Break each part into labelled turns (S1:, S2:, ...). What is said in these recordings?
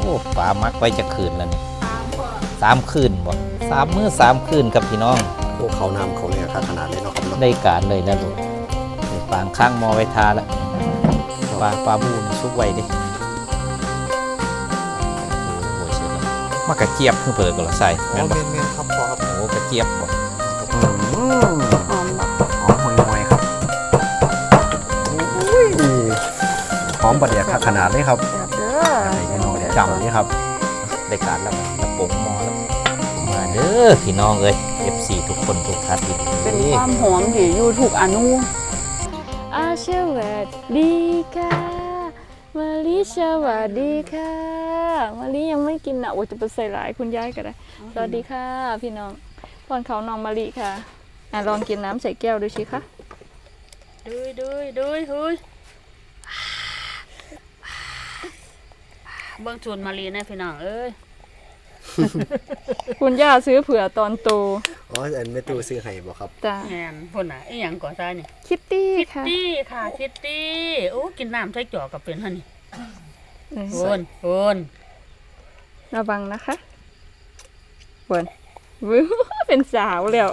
S1: ปลามักไว้จะคืนแล้วนี่3 คืนบ่3 มื้อ 3 คืนกับพี่น้อง
S2: พวกเขานำเขาเนี่ยค่าขนาดเลยเนาะครับ
S1: ได้การเลยแล้วลูกปางข้างมอไว้ทาแล้วปลาบูนี่ซุกไว้ดิโอ้ยเสียแล้วมากระเจี๊ยบเพิ่งเปิดก็ละใส่
S2: แม่นครับพอครับ
S1: โอ้กระเจี๊ยบบ่
S2: หอมห่วยๆครับหอมประเดี๋ยวค่าขนาดเลยครับพี่น้องจำนี่ครับ
S1: ได้การแล้วระปงมอแล้วมาเด้อพี่น้องเอ้ย FC ทุกคนทุกท่าน
S3: เป็นความหอมที่อยู่ถูกอนุสวัสดีค่ะมาลิสวัสดีค่ะมาลิยังไม่กินนะโอ้จะไปใส่หลายคุณยายก็ได้สวัสดีค่ะพี่น้องพรเขาน้องมาลิค่ะลองกินน้ำใส่แก้วดูสิคะดูเบิ้งชวนมาลีนะพี่น้องเอ้ยคุณย่าซื้อเผื่อตอนโต
S2: อันไม่ตู้ซื้อให้บ่ครับ
S3: จ้า
S4: แอนพุ่นน่ะไอ้หยังก่อซ่าเนี่ย
S3: คิตตี้ค่ะ
S4: คิตตี้โอ้กินน้ำใช้จ่อกับเป็นฮะนี่โอน
S3: ระวังนะคะวิวเป็นสาวแล้ว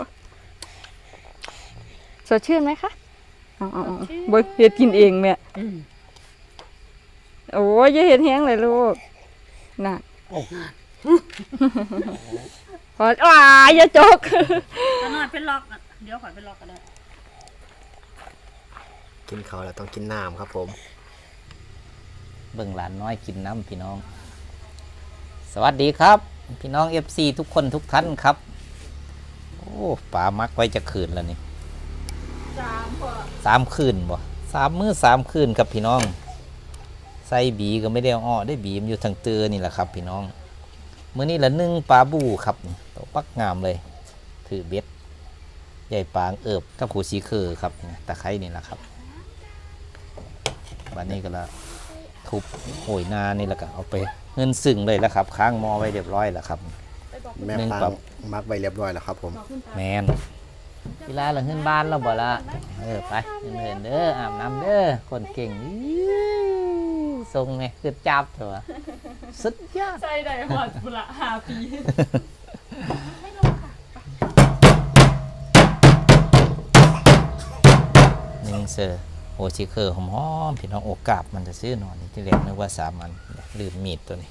S3: สดชื่นไหมคะบ่เฮ็ดกินเองแม่โอ้ยอย่าเฮ็ดแห้งเลยลูกน่ะอย่าจก
S4: ถ้านอนเป็นล็อกเดี๋ยวขอเป็นล็อกก็ได้
S2: กินเขาแล้วต้องกินน้ำครับผม
S1: เบิ่งหลานน้อยกินน้ำพี่น้องสวัสดีครับพี่น้อง FC ทุกคนทุกท่านครับโอ้ปลามักไว้จะคืนแล้วนี่3 คืนบ่3 มื้อ 3 คืนครับพี่น้องใส่บีก็ไม่ได้อ้อได้บีมอยู่ทางเตือนี่แหละครับพี่น้องมื้อนี้ละ1ปลาบูครับตัวปักงามเลยถือเบ็ดใหญ่ปางเอิบกับขูสีคือครับตะไคร้นี่แหละครับบัดนี้ก็ละทุบโหยนานี่แหละก็เอาไปเงินซึ่งเลยแล้วครับค้างมอไว้เรียบร้อยแล้วครับ
S2: แม่ปางมักไว้เรียบร้อยแล้วครับผม
S1: แมนเวลาเราเงินบ้านเราบ่ละไปเงินเด้ออาบน้ำเด้อคนเก่งทรงไงคือจับเถอะสุดยอด
S3: ใจได้หอดบุระ5 ปี
S1: เซอร์โอชิเคอร์หอมๆพี่น้องโอกาบมันจะซื้อหนอนที่แรกนึกว่า3 อันลืมมีดตัวนี้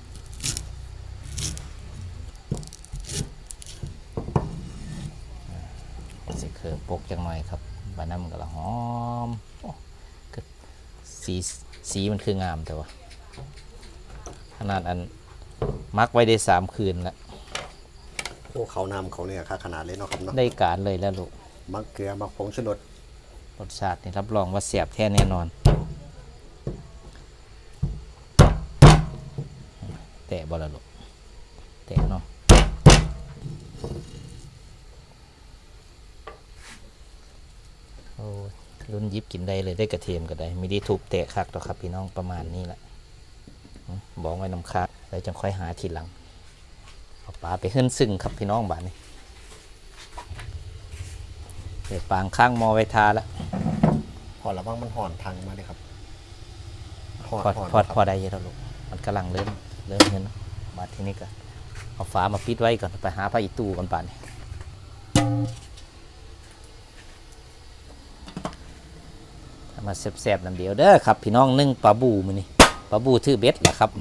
S1: โอชิเคอร์ปกจังหน่อยครับบาน้ำก็ละหอมสีมันคืองามแต่ว่าขนาดอันมักไว้ได้3 คืนแล้ว
S2: พวกเขานำเขาเนี่ยค่าขนาดเลยเนาะครับเนาะ
S1: ได้การเลยแล้วลูก
S2: มักเกลือมักผงชูรส
S1: รสชาตินี่รับรองว่าเสียบแท้แน่นอนแตะบอลลูกแตะเนาะโอ้รุ่นยิบกินได้เลยได้กระเทียมก็ได้ไม่ได้ทุบแตะคักหรอกครับพี่น้องประมาณนี้แหละบอกไว้น้ำคักแล้วจังค่อยหาทีหลังเอาปลาไปขึ้นซึ่งครับพี่น้องบ้านนี้เดี๋ยวปางข้างมอไว้ทาแล้ว
S2: พอระวังมันห่อนพังมาเลยครับ
S1: พอได้เยอะแล้วลูกมันกำลังเริ่มเห็นมาที่นี่ก็เอาฝามาปิดไว้ก่อนไปหาผ้าอีตู้ก่อนป่านนี้มาแซ่บๆน้ำเดียวเด้อครับพี่น้องนึ่งปลาบูมื้อนี้ปลาบูถือเบ็ดแหละครับ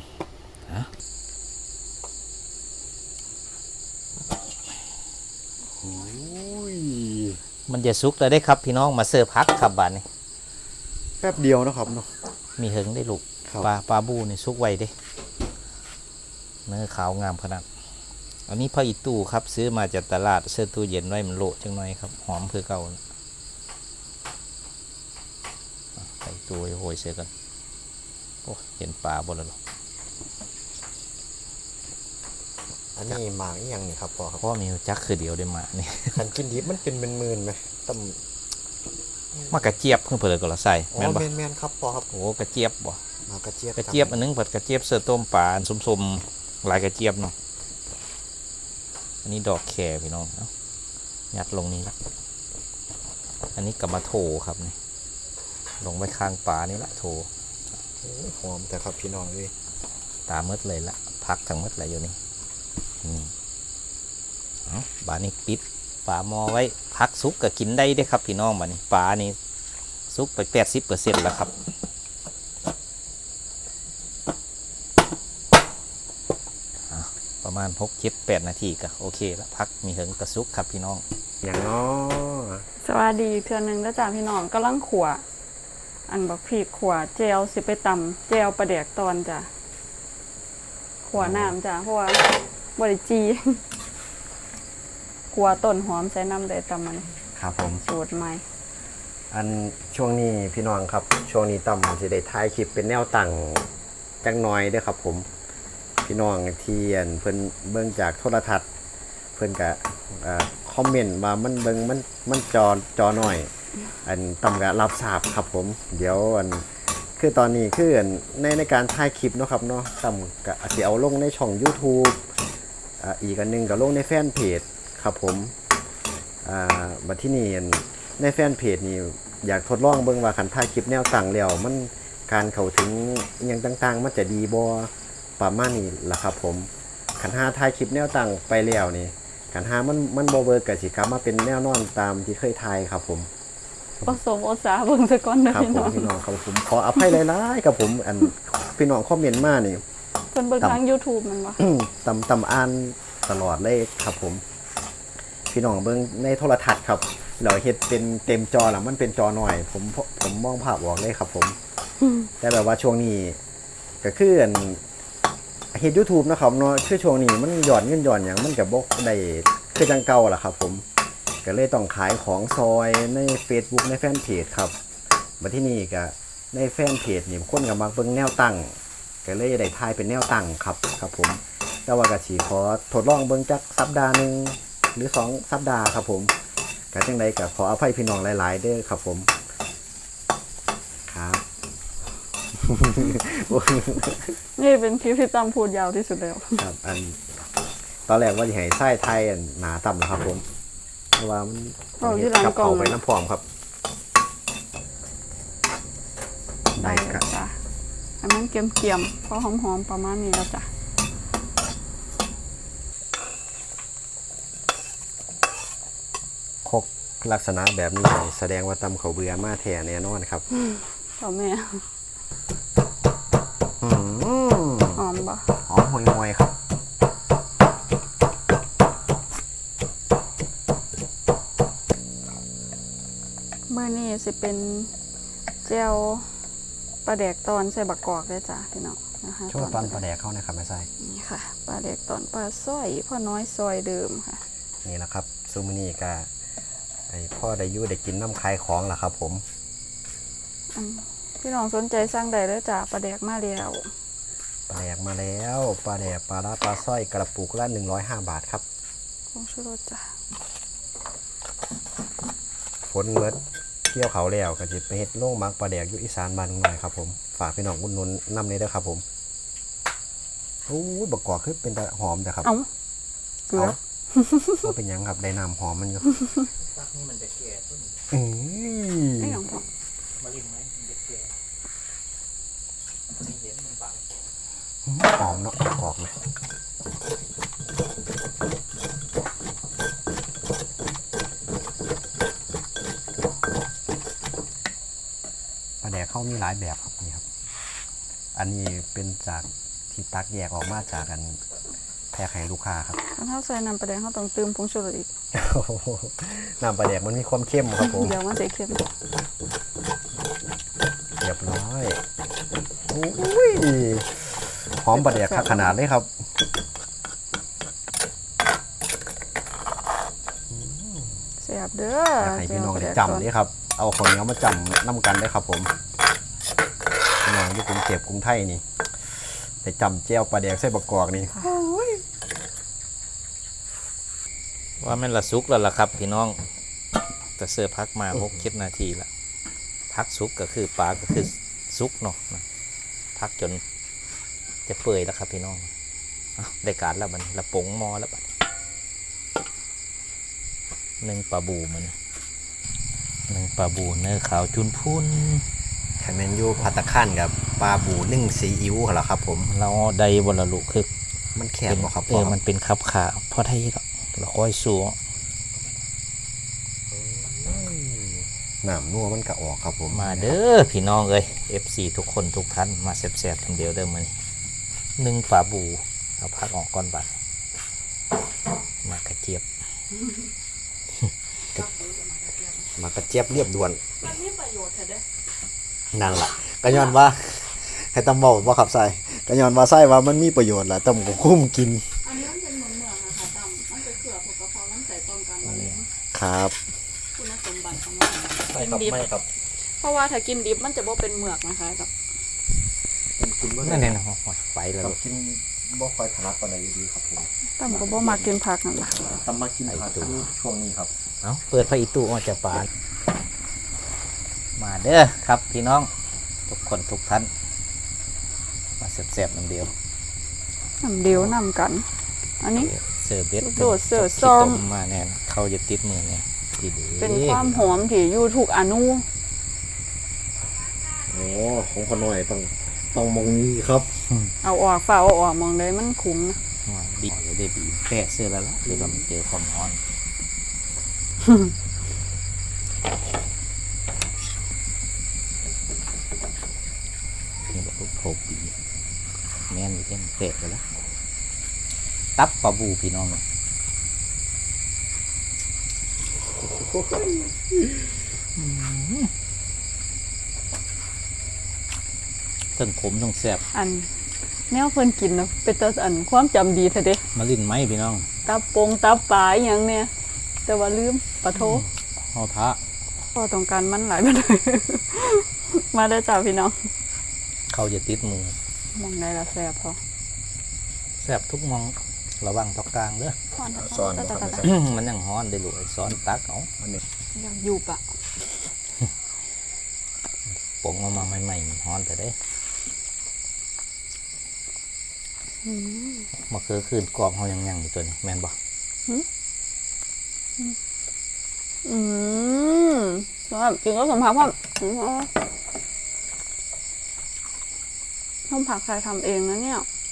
S1: มันจะสุกแล้วได้ครับพี่น้องมาเสิร์ฟพักครับบ้านนี้
S2: แป๊บเดียวนะครับเนาะ
S1: มีเหิงได้ลูกปลาบูนี่สุกไวเด้เนื้อขาวงามขนาดอันนี้ผ้าอีตู้ครับซื้อมาจากตลาดเสื้อตู้เย็นไว้มันโละจังหน่อยครับหอมคือเก่าใส่ตู้โหยเสียกันโอ้เห็นปลาบ่แล้วหรอ
S2: อันนี้หมากยังนี่ครับพ่อครับ
S1: พ่อมีจักคือเดียวได้มานี่
S2: ขันกินดิบมันเป็นหมื่นไหมต้ม
S1: มากระเจี๊ยบเพิ่งเปิดก็ละใส่
S2: แม่นครับพ่อครับ
S1: โอ้กระเจี๊ยบบ่
S2: มากระเจี๊
S1: ยบอันนึงผัดกระเจี๊ยบเสือต้มปลาส้มๆลายกระเจี๊ยบเนาะอันนี้ดอกแครพี่น้องยัดลงนี้ละอันนี้กับมาโถครับนี่ลงไปข้างปลานี่ละโถ
S2: หอมแต่ครับพี่น้องเลย
S1: ตามมืดเลยละพักทั้งมืดเลยอยู่นี่เอาบานี้ปิดฝาหม้อไว้พักซุกก็กินได้เด้ครับพี่น้องบานี้ปลานี่ซุกไป80%แล้วครับประมาณ6-7-8 นาทีก็โอเคแล้วพักมีเหิงกระซุกครับพี่น้อง
S2: อย่างน้อ
S3: สวัสดีเทื่อนึงแล้วจ้าพี่น้องกำลังขัวอันบักพริกขัวเจลสิไปตำเจลปลาแดกตอนจ้ะขัวน้ำจ้ะเพราะว่าบริจี ขัวต้นหอมใส่น้ำได้ตำมัน
S2: ครับผม
S3: สูตรใหม่
S2: อันช่วงนี้พี่น้องครับช่วงนี้ต่ำสิได้ถ่ายคลิปเป็นแนวตั้งจังน้อยเด้อครับผมพี่น้องที่เพิ่นเบิ่งจากโทรทัศน์เพิ่นก็คอมเมนต์ว่ามันเบิ่งมันจอหน่อยอันต่ำก็รับทราบครับผมเดี๋ยวอันคือตอนนี้คืออันในการถ่ายคลิปเนาะครับเนาะต่ำก็สิเอาลงในช่อง YouTube อีกอันหนึงก็ลงในแฟนเพจครับผมบัดที่นี่ในแฟนเพจนี่อยากทดลองเบิ่งว่าคันถ่ายคลิปแนวตั้งแล้วมันการเข้าถึงอหยังต่างๆมันจะดีบ่ประมาณนี้ล่ะครับผมคันหาถ่ายคลิปแนวตั้งไปแล้วนี่คันหามันบ่เวิร์กก็สิกลับมาเป็นแนวนอนตามที่เคยถ่ายครับผม
S3: ผสมโอสาเบิ่งซะก่อนเด้อ
S2: ครับ
S3: พี่
S2: ผ
S3: น้
S2: ม
S3: อง
S2: พี่น้องครับผมขออภัยหลายๆครับผมอันพี่น้องคอมเมนต์มานี่
S3: เพิ่นเบิ่งทาง YouTube มันบ่
S2: ตำอ่านตลอดเลยครับผมพี่น้องเบิ่งในโทรทัศน์ครับเราเฮ็ดเป็นเต็มจอแล้วมันเป็นจอหน่อยผมมองภาพออกเลยครับผมแต่แบบว่าช่วงนี้ก็คืออันเฮ็ด YouTube นะครับเนาะคือช่วงนี้มันหย่อนเงินหย่อนหยังมันก็บ่ได้คือจังเก่าล่ะครับผมก็เลยต้องขายของซอยใน Facebook ในแฟนเพจครับบัดที่นี่ก็ในแฟนเพจนี่คนก็มักเบิ่งแนวตั้งก็เลยได้ถ่ายเป็นแนวตั้งครับผมแต่ว่าก็สิขอทดลองเบิ่งจักสัปดาห์นึงหรือ2สัปดาห์ครับผมก็จังไดก็ขออภัยพี่น้องหลายๆเด้อครับผมครับ
S3: นี่เป็นคลิปที่ตำพูดยาวที่สุดแล้ว
S2: ครับอันตอนแรกว่าจะให้ไส้ไทยอันหนาต่ำนะครับผมเพราะว่ามัน
S3: เอาที่หลัง
S2: กับ
S3: กล่อง
S2: เขาไปน้ำพร้อมครับได้ครับ
S3: จ้ะให้มันเกรียมๆพอหอมๆประมาณนี้แล้วจ้ะ
S2: คกลักษณะแบบนี้แสดงว่าตำเขาวเบื่อมาแท้แน่นอนครับ
S3: พ่อแม่
S2: อืม
S3: หอมบ่
S2: หอมห่วยๆครับ
S3: มื้อนี้สิเป็นแจ่วปลาแดกตอนใส่บักกอกเด้อจ้ะพี่น้องนะคะ
S2: ช่วงตอนปลาแดกเข้านะครับแม่ไส้
S3: นี่ค่ะปลาแดกตอนปลาสร้อยพ่อน้อยซอยเดิมค่ะ
S2: นี่แหละครับซูมินี่กาไอพ่อได้อยูได้กินน้ำคายของล่ะครับผม
S3: พี่น้องสนใจสั่งได้เด้อจ้ะปลาแดกมาแล้ว
S2: ปลาแดกมาแล้วปลาแดกปลาร้าปลาสร้อยกระปุกละ105 บาทครับ
S3: ผงชูรสจ้ะ
S2: ฝนเมิดเที่ยวเขาแล้วก็จะไปเฮ็ดโล่งมักปลาแดกอยู่อีสานบ้านหน่อยครับผมฝากพี่น้องอุดหนุนนำเลยเด้อครับผมโอ้ยบักกอกคือเป็นตาหอมแต่ครับ
S3: เอ้าเกลือ
S2: ว่าเป็นหยังครับได้น้ำหอมมันอยู่
S1: พักนี้มันจะแก่ต้น
S3: ไอ้หยังพอ
S1: มาลินไหมมันจะแก่ไม่เห็นมันบัง
S2: หอมเนาะบักกอกนะปลาแดกเขามีหลายแบบครับนี่ครับ อันนี้เป็นจากที่ตักแยกออกมาจากกันแพรไข่ลูกค้าครับ
S3: ถ้าเฮาใส่น้ำปลาแดกเฮาต้องเติมผงชูรสอีก
S2: น้ำปลาแดกมันมีความเข้มครับผม
S3: เดี๋ยวมันสิเค็ม
S2: เรียบร้อยอุ้ยหอมปลาแดกขนาดเลยครับ
S3: แซ่บเด้อ
S2: อยากให้พี่น้องได้
S3: แจ่วปลาแดกตอน
S2: จำนี่ครับ เอาคนเหนี้ยวมาจำน้ำกันได้ครับผมพี่น้องที่กรุงเทพกรุงไทยนี่ได้จำเจียวปลาแดกใส่บะกอกนี่
S1: ว่าแม่นละซุกแล้วล่ะครับพี่น้องแต่เสื้อพักมา6-7 นาทีละพักซุกก็คือปลาก็คือซุกเนาะนะพักจนจะเปื่อยแล้วครับพี่น้องอ้าวได้การแล้วมันละปงหมอแล้วบัด1ปลาบูมัน1ปลาบูเนื้อขาวจุนพุน
S2: คถ้าแม่นอยู่ภัตตาคารกับปลาบูนึ่งซีอิ๊วเหรอครับผม
S1: เราได้บนละลูกคือ
S2: มันแคบบ่ครับ
S1: มันเป็นขับขาพอไทยแล้วเราค่อยสู้
S2: น้ำนัวมันก็ออกครับผม
S1: มาเด้อพี่น้องเอ้ย FC ทุกคนทุกท่านมาแซ่บๆทั้งเดียวเด้อมื้อนี้นึ่งปลาบูเอาพักออกก่อนบัดมากระเจี๊ยบ
S2: มากระเจี๊ยบเรียบด่วน
S3: มันมีประโยชน์เถอะเด้อ
S2: นั่นล่ะก็ย้อนว่าให้ตำบอกว่าขับใส่ก็ย้อนว่าใส่ว่ามันมีประโยชน์ล่ะตำก็คุ้มกิน
S3: อันนี้มันเป็นเหมืองนะคะตำมันจะเกลือพวกกระเพาะลำไส้ป้องกันมะเร็ง
S2: ครับ
S3: คุณสมบัติของมัน
S1: ใช่ครับไม่ครับ
S3: เพราะว่าถ้ากินดิบมันจะบ่เป็นเหมือกนะคะต
S1: นั่นเองนะไปแล้วลูก
S2: กินบ่ค่อยถนัดปานใดดีครับผม
S3: ำตำก็บ่มากินผักนั่นล่ะ
S2: ตำมากินผักช่วงนี้ครับ
S1: เอาเปิดไฟอีตู้ออกจากปานมาเด้อครับพี่น้องทุกคนทุกท่านมาแซ่บๆน้ำเดียว
S3: น้ำเดียวน้ำกัน อันนี้
S1: เสิร์ฟเบ็ด
S3: โดดเสิร์ฟ
S1: ขี้
S3: ส้ม
S1: ต้มาแน่นเขาจะติดมือเนี่ยทีดี
S3: เป็นความหอมที่อยู่ทุกอนุ
S2: โอ้ของขน่อยต้องมองนี้ครับ
S3: เอาออกฝ่าเอาออกมองได้มันคุ้มนะ
S1: บีจะได้บีแปะเสื้อแล้วล่ะเดี๋ยวเราเจอความร้อนนี่แบบโผล่บีแม่นอยู่เต็มเปะไปแล้วตับปลาบูพี่น้องเลยทั้งขมทั้งแซ่บ
S3: อันแนวเพิ่นกินนะเป็นตาอันความจำดีเถอะเด้
S1: มาลิ้นไหมพี่น้อง
S3: ตับปงตับปลาอหยังเนี่ยแต่ว่าลืมปะโท
S1: เอาท้า
S3: พอต้องการมันหลายไปเลย มาได้อจ้าพี่น้อง
S1: เขาจะติดมือ
S3: มองได้ละแซ่บพอ
S1: แซ่บทุกมองระวังตอกกลางเด้อ
S2: ซ้อนบ่ครับ
S1: มันยังฮ้อนได้ลูกไอ้ซ้อนตักเอา
S3: อยากอยู่ปะ
S1: ปงเอามาใหม่ๆฮ้อนแต่ได้มาคือคืนกรอบเขายังอยู่ตัวนี้แม่นบ่
S3: แล้วกินก็สมผักว่าต้มผักใครทำเองนะเนี่ย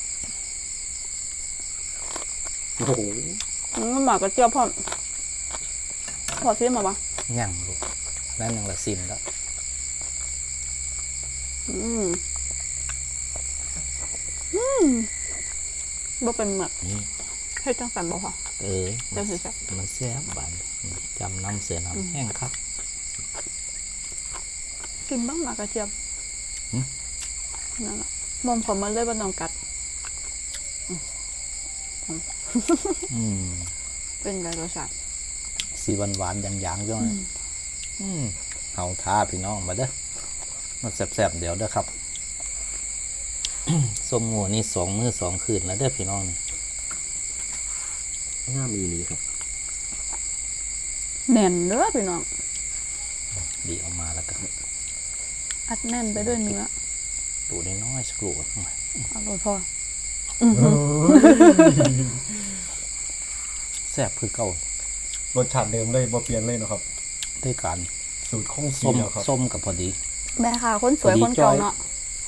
S2: โอ้โห
S3: มันหมากระเจี๊ยบพอซิมมาปะ
S1: ยังลูกนั่นยังละซิมแล้ว
S3: บ่เป็นเหมือก
S1: นี่
S3: ให้จังสันบ่พอ
S1: มัน
S3: จังสิจ้ะ
S1: มันแซ่บบานจำน้ำเสือน้ำแห้งครับ
S3: กินบ้างหมากระเจี๊ยบ
S1: หืม
S3: นั่นแหละมองผมมันเลยบ่ต้องกัด
S1: อืม
S3: เป็นไรรสชาติ
S1: สีหวานๆอย่างๆจ้อยเอาท้าพี่น้องมาเด้อมาแซ่บๆเดี๋ยวเด้อครับ ส้มงัวนี่2 มื้อ 2 คืนแล้วเด้อพี่น้องนี่
S2: ง่ามอีหลีครับ
S3: แน่นเด้อพี่น้อง
S1: ดีออกมาแล้วก็
S3: อัดแน่นไปด้วยเนื้อ
S1: ตูน้อยๆสักลูก
S3: อร่อยพอ
S1: แซ่บคือเก่าร
S2: สชาติเดิมเลยบ่เปลี่ยนเลยนะครับ
S1: ด้วยการ
S2: สูตรคงสี
S1: ส้ม
S2: แล้วครับ
S1: ส้มกับพอดี
S3: แม่ค่ะคนสวย
S1: พอดี
S3: คนเก่า
S1: จ้อย
S3: เนาะ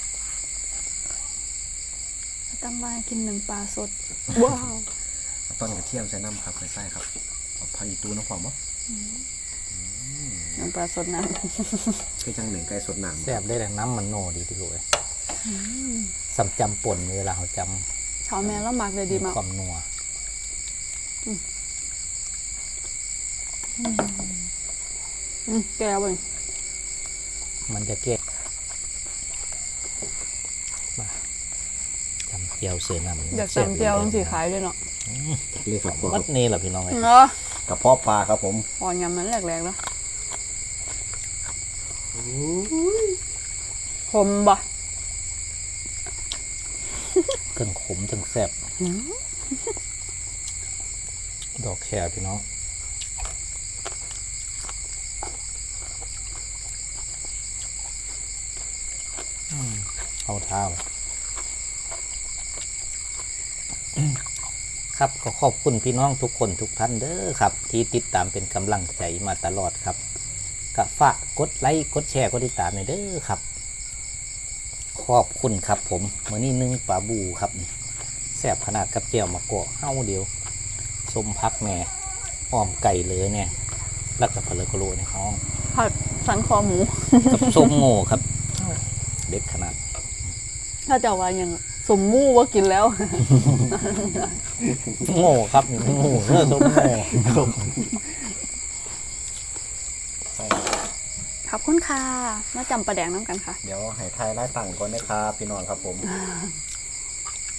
S3: ตั้งบ้านกินหนึ่งปลาสด ว้าว
S2: ต้นกระเทียมใส่น้ำครับใส่ครับเอาผักอีตูน้ำความบ่
S3: หนึ่งปลาสดน้
S2: คือจังหนึ่งไก่สดน้ำ
S1: แซ่บได้แต่น้ำมันโนดีที่รู้เลยสำจำป่นเวลาเขาจ
S3: ำเขาแม่แล้วหมักเลย
S1: ำ
S3: ดี
S1: มี
S3: มาก
S1: ความนัว
S3: แก้วเว้ย
S1: มันจะเก็บมาจำเจียวเสือน้ำ
S3: อยากจำเจียวต้องสีขายเลยเนาะ
S2: เลยครับ
S1: วัดนี่แหละพี่น้องเลย
S3: เนาะ
S2: กระเพาะปลาครับผม
S3: พอยำมันแหลกๆแล้วคมบ่
S1: เครื่องขมจังแซ่บดอกแครพี่น้องเอาเท้าครับก็ขอบคุณพี่น้องทุกคนทุกท่านเด้อครับ ที่ติดตามเป็นกำลังใจมาตลอดครับก็ฝากกดไลค์กดแชร์กดติดตามหน่อยเด้อครับอบคุณครับผมมื้อนี้นึ่งปลาบูครับนี่แซ่บขนาดกับเจียวมะกอกเฮาเดียวส้มพักแหน่อ้อมไก่เลยเนี่ยแล้วก็พะเลกะโลในห้อง
S3: ผัดสันคอหมู
S1: กับส้มโง่ครับ เด็ดขนาด
S3: ถ้าจะว่ายังสมมู่ว่ากินแล้ว
S1: โง่ครับนี่โง่เลิกส้มโง่
S3: ขอบคุณค่ะ มาจำประแดงน้ำกันค่ะ
S2: เดี๋ยวให้ทายไล่ต่างก่อนนะครับพี่น้องครับผม